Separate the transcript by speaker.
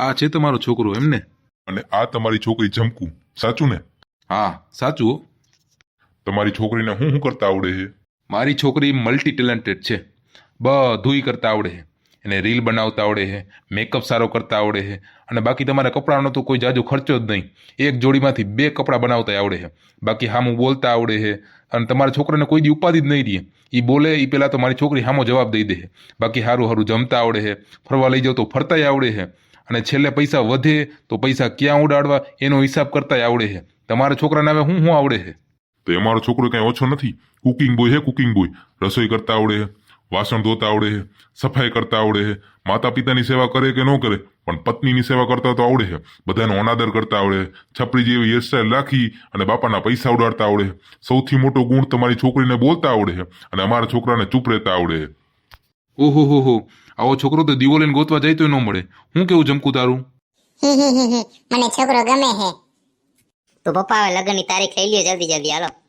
Speaker 1: આ છે તમારો છોકરો એમને?
Speaker 2: અને આ તમારી છોકરી જમકુ, સાચું ને?
Speaker 1: હા સાચું હો.
Speaker 2: તમારી છોકરીને શું કરતા આવડે છે?
Speaker 1: મારી છોકરી મલ્ટી ટેલેન્ટેડ છે, બધુંય કરતા આવડે છે. એને રીલ બનાવતા આવડે છે, મેકઅપ સારો કરતા આવડે છે, અને બાકી તમારા કપડાનો તો કોઈ જાજો ખર્ચો જ નહીં. એક જોડીમાંથી 2 કપડાં બનાવતા આવડે છે. બાકી હામું બોલતા આવડે છે, અને તમારા છોકરાને કોઈ દી ઉપાધિ જ નહીં રહે. એ બોલે એ પહેલાં તો મારી છોકરી હામો જવાબ દઈ દે છે. બાકી સારું સારું જમતા આવડે છે, ફરવા લઈ જાવ તો ફરતાય આવડે છે, અને છેલ્લે પૈસા વધે તો પૈસા ક્યાં ઉડાડવા એનો હિસાબ કરતાય આવડે છે. તમારા છોકરાને હવે શું આવડે છે?
Speaker 2: તો એ મારો છોકરો કઈ ઓછો નથી. કુકિંગ બોય છે, કુકિંગ બોય. રસોઈ કરતા આવડે છે, વાસણ ધોતા આવડે છે, સફાઈ કરતા આવડે છે, માતા પિતાની સેવા કરે કે ન કરે પણ પત્નીની સેવા કરતા તો આવડે છે. બધાનો અનાદર કરતા આવડે છે, છપરી જેવી હેરસ્ટાઈલ રાખી અને બાપાના પૈસા ઉડાડતા આવડે છે. સૌથી મોટો ગુણ તમારી છોકરીને બોલતા આવડે છે, અને અમારા છોકરાને ચૂપ રહેતા આવડે છે.
Speaker 1: ઓહો હો હો, આવો છોકરો તો દીવો લઈને ગોતવા જાય તો ન મળે. હું કેવું જમકુ તારું?
Speaker 3: મને છોકરો ગમે હે. તો પપ્પા હવે લગ્નની તારીખ લઈ લ્યો જલ્દી જલ્દી, હાલો.